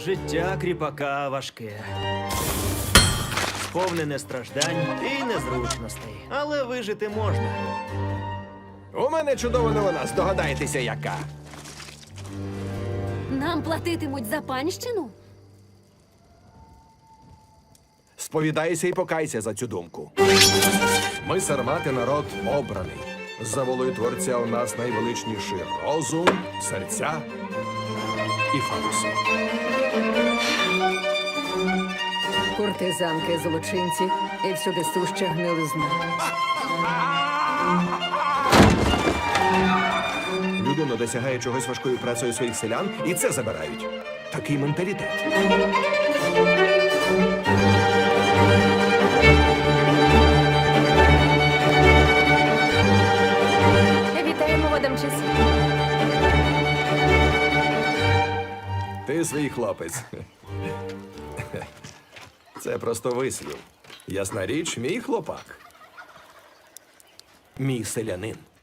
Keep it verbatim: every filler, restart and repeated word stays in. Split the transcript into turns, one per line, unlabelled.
Життя кріпака важке. Сповнене страждань і незручностей. Але вижити можна.
У мене чудова новина, здогадайтеся, яка.
Нам платитимуть за панщину?
Сповідайся і покайся за цю думку. Ми сармати народ обраний. За волею Творця у нас найвеличніший розум, серця і фокуси.
Куртизанки, злочинці і всюди суща гнилизна.
Людина досягає чогось важкою працею своїх селян, і це забирають. Такий менталітет.
Вітаємо в Адамчесі.
Ти свій хлопець. Це просто вислів. Ясна річ, мій хлопак. Мій селянин.